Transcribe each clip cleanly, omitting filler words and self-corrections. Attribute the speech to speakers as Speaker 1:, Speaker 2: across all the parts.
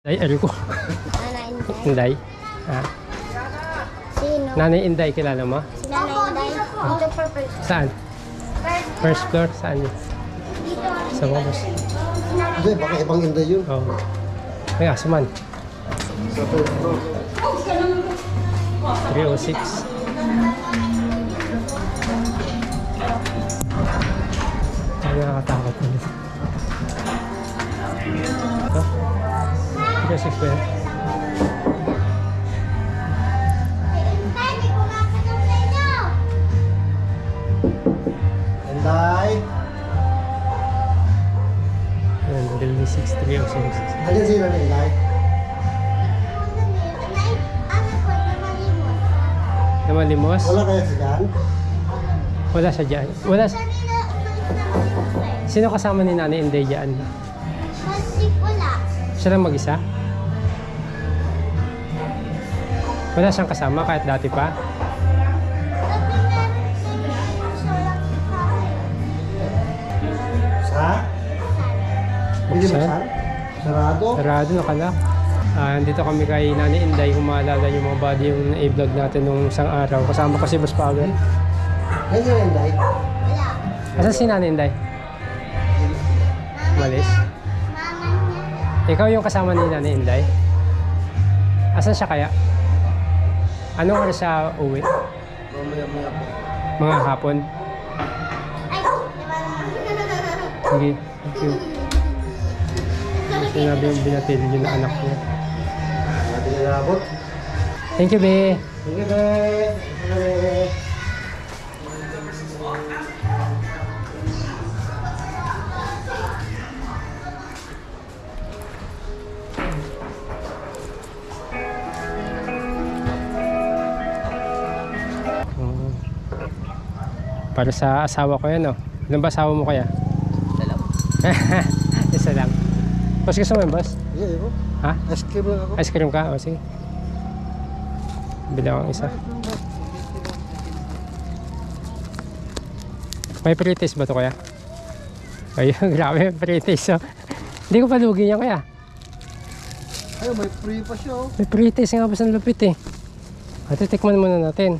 Speaker 1: Ay, ko.
Speaker 2: Nanay Inday.
Speaker 1: Inday. Ha?
Speaker 2: Sino?
Speaker 1: Nanay Inday, kilala mo?
Speaker 2: Si Nanay Inday. Dito for first.
Speaker 1: Saan? First floor? Saan yun?
Speaker 2: Dito.
Speaker 1: Sa bangos.
Speaker 3: Hindi, baka ibang Inday yun.
Speaker 1: Oo. Kaya, suman.
Speaker 3: Sa third floor.
Speaker 1: 306. Ay, nakakatakot na dito. Ito? 306 ba yan?
Speaker 3: Inday!
Speaker 1: Ayan, Delhi 6306.
Speaker 3: Alin sino na Inday?
Speaker 1: Namalimos?
Speaker 3: Wala kaya si Jan?
Speaker 1: Wala siya dyan. Wala siya. Sino kasama ni Nanay Inday dyan?
Speaker 2: Wala.
Speaker 1: Siya lang mag-isa? Wala siyang kasama kahit dati pa?
Speaker 3: Sa? Hindi
Speaker 1: Buksan?
Speaker 3: buksan? Sarado?
Speaker 1: Sarado, nakalock. Dito kami kay Nanay Inday. Kung maalala yung mga body yung i-vlog natin nung isang araw. Kasama ko si Boss Pavel.
Speaker 3: Ayun sino Inday?
Speaker 2: Wala.
Speaker 1: Asan si Nanay Inday? Malis?
Speaker 2: Mama niya.
Speaker 1: Ikaw yung kasama ni Nanay Inday? Asan siya kaya? Anong oras siya uwi?
Speaker 3: Mamaya-maya po.
Speaker 1: Mga hapon?
Speaker 2: Ay,
Speaker 1: Sige, thank you. Sinabi yung binatil yun na anak niya.
Speaker 3: Natin na nabot.
Speaker 1: Thank you, Be.
Speaker 3: Sige, be. Sige.
Speaker 1: Oh. Para sa asawa ko yan, oh. Ilan ba asawa mo kaya?
Speaker 4: Dalaw.
Speaker 1: Isa lang. Boss, gusto mo yun, boss?
Speaker 3: Sige, ibo.
Speaker 1: Ha?
Speaker 3: Ice cream lang ako.
Speaker 1: Ice cream ka? O, sige. Bilang ang isa. May pre-taste ba to kaya? Ayun, grabe, pre-taste. Oh. Hindi ko pa lugi niya kaya.
Speaker 3: Ay, may free pa siya, oh.
Speaker 1: May pre-taste nga ba sa lupit eh. At titikman muna natin.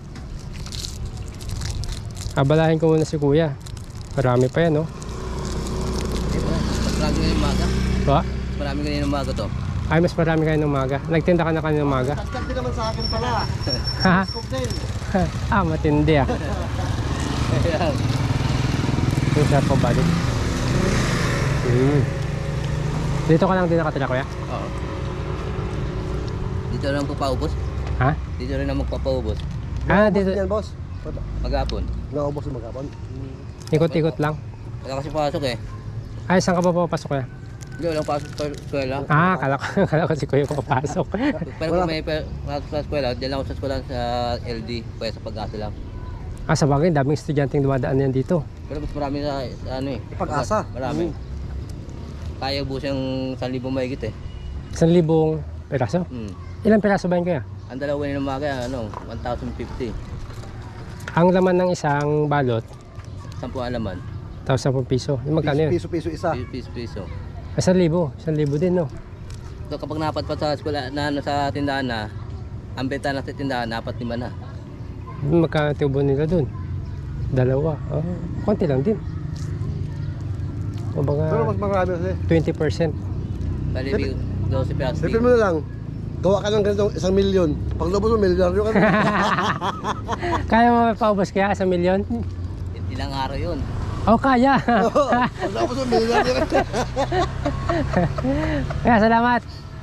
Speaker 1: Abalahin ko muna si kuya. Marami pa yan, oh.
Speaker 4: Marami ngayon umaga.
Speaker 1: Ba?
Speaker 4: Marami ngayon umaga to.
Speaker 1: Ay, mas marami kayo ng umaga. Nagtinda ka na kanina umaga.
Speaker 3: Kaskat din naman sa akin pala.
Speaker 1: Ha?
Speaker 3: Scoop din.
Speaker 1: Matindi ah. Yung sarap ko balik. Dito ka lang din nakatira, kuya?
Speaker 4: Oo. Dito na lang papaubos.
Speaker 1: Ha?
Speaker 4: Dito rin na magpapaubos.
Speaker 1: Dito.
Speaker 3: Yan, boss.
Speaker 4: Maghapon.
Speaker 3: Naubos yung magkapon.
Speaker 1: Ikot-ikot lang.
Speaker 4: Wala kasi pasok eh.
Speaker 1: Ay, saan ka pa papasok, kuya?
Speaker 4: Hindi, walang pasok sa eskwela.
Speaker 1: Kala ko si kuya papasok.
Speaker 4: Pero kung may pasok sa eskwela, diyan lang ako sa eskwela sa LD. Kaya sa Pag-asa lang.
Speaker 1: Sa bagay, daming estudyanteng dumadaan yan dito.
Speaker 4: Pero mas marami sa ano eh.
Speaker 3: Pag-asa.
Speaker 4: Marami. Kaya ubos yung 1,000 mahigit eh.
Speaker 1: 1,000 peraso? Ilang peraso ba yun, kuya?
Speaker 4: Ang dalawa ng umaga, 1,050.
Speaker 1: Ang laman ng isang balot,
Speaker 4: 10 alaman.
Speaker 1: tapos 10 piso. Yung magkano yun?
Speaker 3: Piso-piso isa.
Speaker 4: Piso.
Speaker 1: 1,000. 1,000 din, no?
Speaker 4: So kapag napadpad sa eskwela na sa tindahan na, ang benta na sa tindahan, 4-5 na.
Speaker 1: Magkano tubo nila dun? 2. Konti lang din. O
Speaker 3: Pero
Speaker 1: baka
Speaker 3: mas marami kasi.
Speaker 1: 20%.
Speaker 4: Bali, 12 pesos.
Speaker 3: Sipin mo na lang. Gawa ka ng ganitong 1 milyon. Pag lubos mo, milyonaryo ka na.
Speaker 1: Kaya mo paubos kaya 1 milyon?
Speaker 4: Ilang araw yun.
Speaker 1: Kaya.
Speaker 3: Pag lubos mo, milyonaryo ka na.
Speaker 1: Kaya salamat.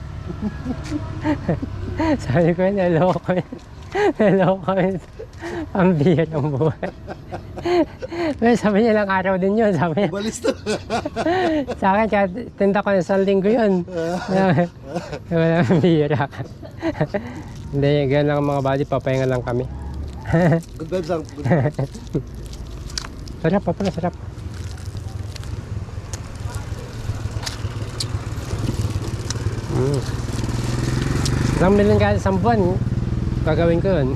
Speaker 1: Sabi ko yun, naloko yun. Naloko yun. Pambihirang buhay. Pero sabi niya ilang araw din yun. Sabi niya.
Speaker 3: Balis to.
Speaker 1: Sa akin, kaya tinda ko ng 1 linggo yun. Wala bihira. Hindi, ganyan lang ang mga body. Papahinga lang kami.
Speaker 3: Good vibes lang. Good vibes.
Speaker 1: Sarap pa pala, sarap. Ilang million ka isang buwan, gagawin ko yun.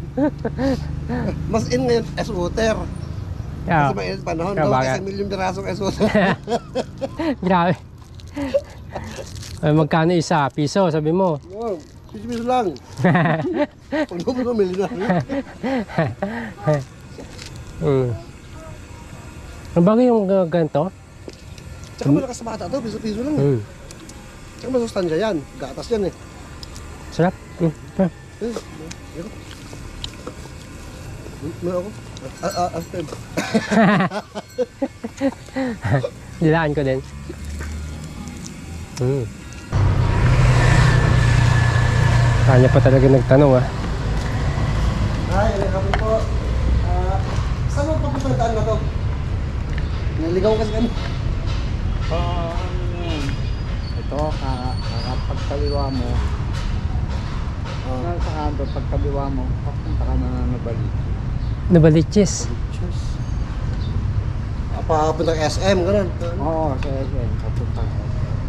Speaker 3: Mas in ngayon, S-water.
Speaker 1: Yeah.
Speaker 3: Kasi mainit panahon.
Speaker 1: Yeah,
Speaker 3: Gawa
Speaker 1: bagay.
Speaker 3: kasi 1 milyong pirasong S-water.
Speaker 1: Grabe. Ay, magkano isa? Piso, sabi mo.
Speaker 3: Wow, piso lang. Pag naman pamili na.
Speaker 1: Ang bagay yung ganito?
Speaker 3: Tsaka malakas sa bata to, piso-piso lang. Tsaka masustansya yan. Gatas yan eh.
Speaker 1: Sarap.
Speaker 3: Meron ako.
Speaker 1: Dilaan ko din. Kanya pa talaga nagtanong
Speaker 3: Ay, kami po. Saan mo papunta yung daan na to? Naligaw kasi kami.
Speaker 5: Ito, pagkaliwa mo, sa kanto, pagkaliwa mo, papunta ka na nabalik.
Speaker 1: Nabaliches.
Speaker 3: Cheers. Papunta ng SM, ganun.
Speaker 5: Oo, sa SM, papunta ka.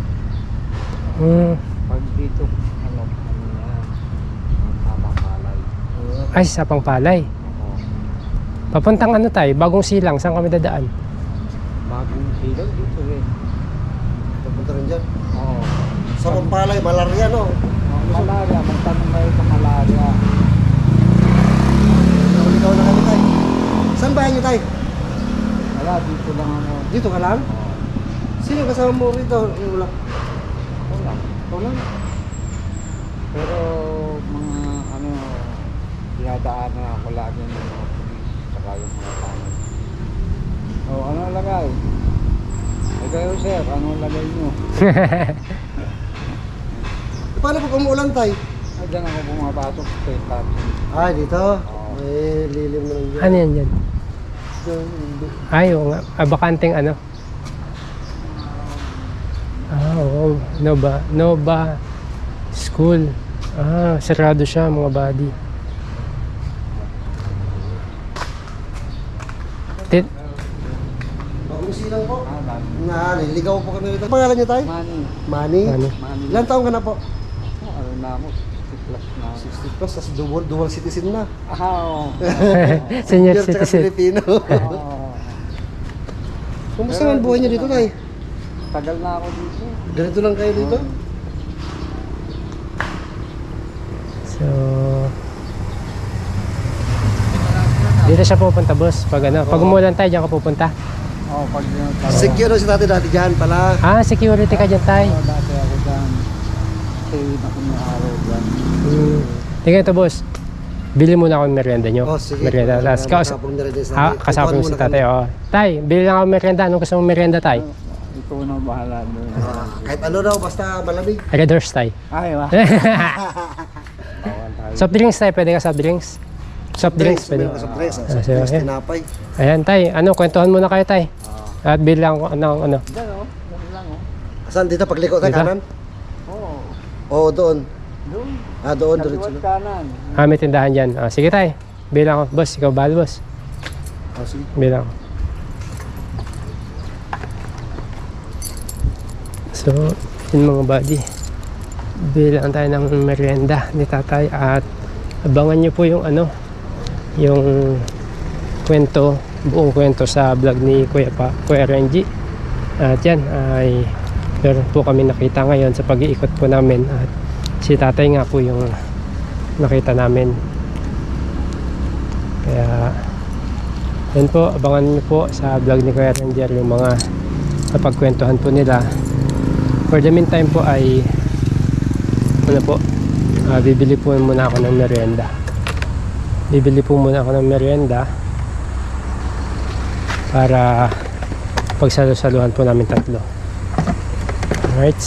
Speaker 5: Pag dito, ano yan, tamang palay.
Speaker 1: Ay, sa Pangpalay.
Speaker 5: Oo.
Speaker 1: Papuntang ano tayo? Bagong Silang. Saan kami dadaan?
Speaker 5: Bagong silang dito rin.
Speaker 3: Papunta rin dyan.
Speaker 5: Oo.
Speaker 3: Sa Pampalay, malaria no?
Speaker 5: Malaria, magtanong kayo sa malaria.
Speaker 3: Naligaw na kami tayo. Saan bahay niyo tayo?
Speaker 5: Wala, dito lang ako.
Speaker 3: Dito ka lang?
Speaker 5: Oo.
Speaker 3: Sino kasama mo rito? Wala.
Speaker 5: Wala.
Speaker 3: Wala.
Speaker 5: Pero mga ano, dinadaan na ako lagi ng mga pulis saka yung mga tanong. O, ano lagay? Eh kayo sir, ano lagay nyo?
Speaker 3: Paano pag umuulan tayo?
Speaker 5: Ay, dyan ako pumapasok sa parking.
Speaker 3: Ah, dito?
Speaker 5: Oo.
Speaker 3: May lilim na lang dyan.
Speaker 1: Ano yan dyan? Ay, oo nga. Bakanting ano? Oo. Nova School. Sarado siya mga buddy.
Speaker 3: Silang po.
Speaker 5: Dami.
Speaker 3: Naliligaw po kami rito. Pangalan niyo tayo?
Speaker 5: Money.
Speaker 3: Manny.
Speaker 1: Ano?
Speaker 5: Money.
Speaker 3: Ilan taong ka na po?
Speaker 5: Ano na ako? 60 plus na ako.
Speaker 3: 60 plus, tas dual citizen na.
Speaker 5: Oo.
Speaker 1: Senior
Speaker 3: tsaka
Speaker 1: citizen.
Speaker 3: Filipino.
Speaker 5: Oo.
Speaker 3: Kumusta naman buhay niyo dito, Nay?
Speaker 5: Tagal na ako dito.
Speaker 3: Ganito lang kayo dito?
Speaker 1: So, dito siya pupunta, boss. Pag ano, pag umulan tayo, diyan ka pupunta.
Speaker 5: Oo, pag
Speaker 3: Secure si dati dyan pala.
Speaker 1: Security ka dyan tayo.
Speaker 5: Oo, dati ako dyan. Stay na kung araw dyan.
Speaker 1: Tingnan ito, boss. Bili muna ako ng merienda nyo.
Speaker 3: Oh, sige.
Speaker 1: Merienda. Tapos
Speaker 3: Kasapong na rin sa tatay.
Speaker 1: kasama mo si tatay. Oh. Tay, bili lang ako ng merienda. Anong gusto mong merienda, tay?
Speaker 5: Ikaw na bahala doon.
Speaker 3: Kahit ano daw, basta malamig.
Speaker 1: Red Horse, tay.
Speaker 5: Ay, wa.
Speaker 1: Soft drinks, tay. Pwede ka soft drinks? Soft drinks, pwede.
Speaker 3: Sa press. Sa
Speaker 1: sige,
Speaker 3: press,
Speaker 1: okay.
Speaker 3: tinapay.
Speaker 1: Ayan, tay. Ano, kwentuhan muna kayo, tay. At bili lang ako ng ano.
Speaker 5: Dyan o. Dyan lang o.
Speaker 3: Saan dito? Pagliko tayo
Speaker 1: Dito?
Speaker 3: kanan?
Speaker 5: Oo.
Speaker 3: Oo, doon.
Speaker 5: Doon.
Speaker 3: Doon.
Speaker 5: Kaliwat
Speaker 3: Doon.
Speaker 5: kanan.
Speaker 1: May tindahan dyan. Sige, tay. Bili lang ako. Boss, ikaw bahal, boss.
Speaker 3: Sige.
Speaker 1: Bili lang ako. So, yun mga buddy. Bili lang tayo ng merienda ni tatay at abangan nyo po yung ano, yung kwento, buong kwento sa vlog ni Kuya Renji. At yan ay meron po kami nakita ngayon sa pag-iikot po namin at si tatay nga po yung nakita namin. Kaya yan po, abangan nyo po sa vlog ni Kuya Renji yung mga napagkwentuhan po nila. For the meantime po ay ano po, bibili po muna ako ng merienda. Bibili po muna ako ng merienda para pagsalo-saluhan po namin tatlo. Alright.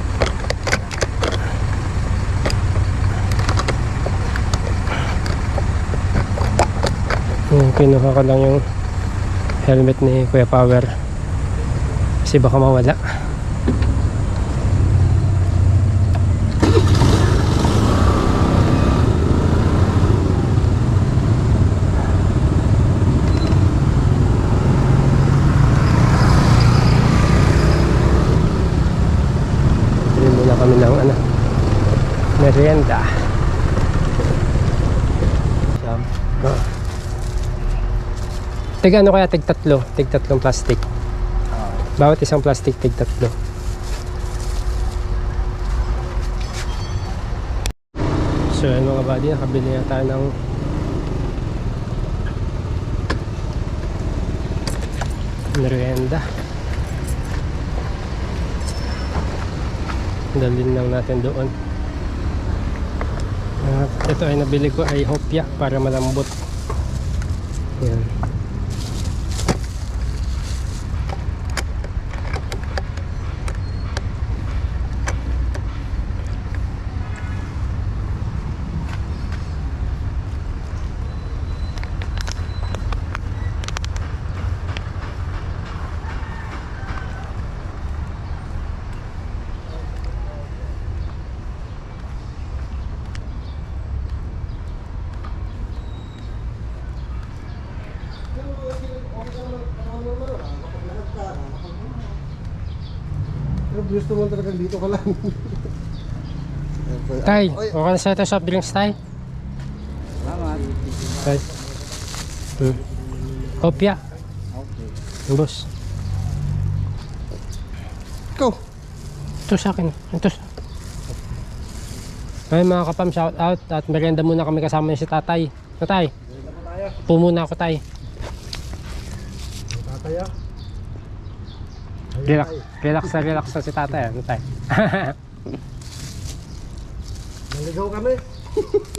Speaker 1: Kinuha ko lang yung helmet ni Kuya Power kasi baka mawala. Kami ng ano, merienda. Tig ano kaya, tig tatlong plastic. Bawat isang plastic, tig tatlo. So yun mga buddy, nakabili na tayo ng merienda. Dalhin lang natin doon. At ito ay nabili ko ay hopya para malambot. Yan.
Speaker 3: Pero gusto mo talaga dito ka lang.
Speaker 1: Tay,
Speaker 3: Oy,
Speaker 1: okay na sa ito soft drinks, Tay?
Speaker 5: Salamat.
Speaker 1: Tay. Hopya.
Speaker 5: Okay.
Speaker 1: Boss.
Speaker 3: ikaw.
Speaker 1: Ito sa akin. Ito sa... Ay mga kapam, shout out. At merienda muna kami kasama niya si tatay. Ito, Tay. Po muna ako, Tay.
Speaker 3: Tataya.
Speaker 1: Relax na si tatay. Ano, Tay?
Speaker 3: Naligaw kami.